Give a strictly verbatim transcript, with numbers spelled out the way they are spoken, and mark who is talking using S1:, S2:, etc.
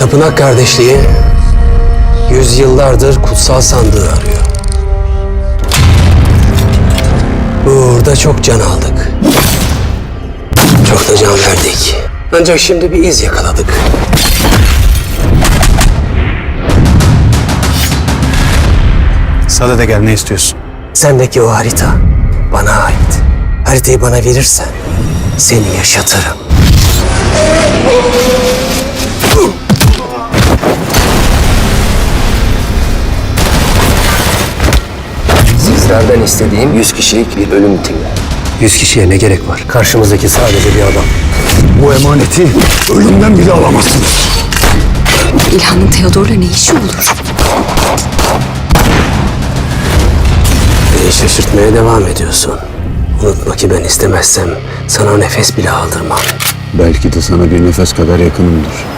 S1: Tapınak kardeşliği yüzyıllardır kutsal sandığı arıyor. Bu uğurda çok can aldık. Çok da can verdik. Ancak şimdi bir iz yakaladık.
S2: Sada da gel, ne istiyorsun?
S1: Sendeki o harita bana ait. Haritayı bana verirsen seni yaşatırım.
S3: Sizlerden istediğim yüz kişilik bir ölüm timi.
S1: Yüz kişiye ne gerek var? Karşımızdaki sadece bir adam.
S4: Bu emaneti ölümden bile alamazsınız.
S5: İlhan'ın Theodor'la ne işi olur?
S1: Beni şaşırtmaya devam ediyorsun. Unutma ki ben istemezsem sana nefes bile aldırmam.
S4: Belki de sana bir nefes kadar yakınımdır.